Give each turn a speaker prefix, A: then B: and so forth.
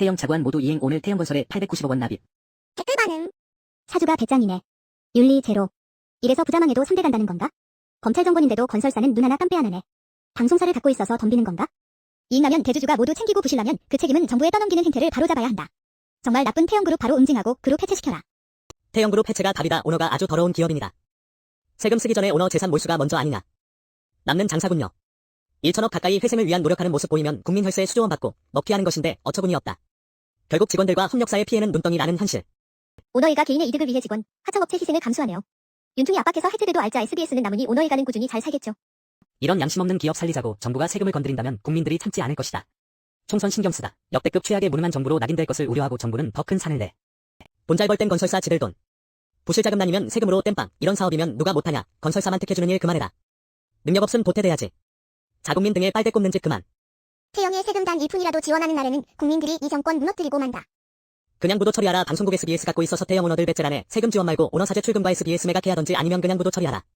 A: 태영 자구안 모두 이행 오늘 태영건설에 890억 원 납입.
B: 댓글 반응. 사주가 배짱이네. 윤리 제로. 이래서 부자망해도 3대 간다는 건가? 검찰 정권인데도 건설사는 눈 하나 깜빼 안 하네. 방송사를 갖고 있어서 덤비는 건가? 이익나면 대주주가 모두 챙기고 부실나면 그 책임은 정부에 떠넘기는 행태를 바로잡아야 한다. 정말 나쁜 태영그룹 바로 응징하고 그룹 해체시켜라.
C: 태영그룹 해체가 답이다. 오너가 아주 더러운 기업인이다. 세금 쓰기 전에 오너 재산 몰수가 먼저 아니냐. 남는 장사군요. 1천억 가까이 회생을 위한 노력하는 모습 보이면 국민 혈세 수조원 받고 먹튀 하는 것인데 어처구니 없다. 결국 직원들과 협력사의 피해는 눈덩이 나는 현실.
B: 오너이가 개인의 이득을 위해 직원, 하청업체 희생을 감수하네요. 윤총이 압박해서 해제돼도 알자 SBS는 남으니 오너이가는 꾸준히 잘 살겠죠.
A: 이런 양심 없는 기업 살리자고 정부가 세금을 건드린다면 국민들이 참지 않을 것이다. 총선 신경 쓰다 역대급 최악의 무능한 정부로 낙인될 것을 우려하고 정부는 더 큰 산을 내. 돈 잘 벌 땐 건설사 지들 돈. 부실자금 나뉘면 세금으로 땜빵. 이런 사업이면 누가 못하냐. 건설사만 택해주는 일 그만해라. 능력 없음 도태돼야지. 자국민 등에 빨대 꼽는 짓 그만.
B: 태영의 세금 단 1푼이라도 지원하는 날에는 국민들이 이 정권 무너뜨리고 만다.
C: 그냥 부도 처리하라. 방송국 SBS 갖고 있어서 태영 오너들 배째라네. 세금 지원 말고 오너 사제 출금과 SBS 매각해야 하던지 아니면 그냥 부도 처리하라.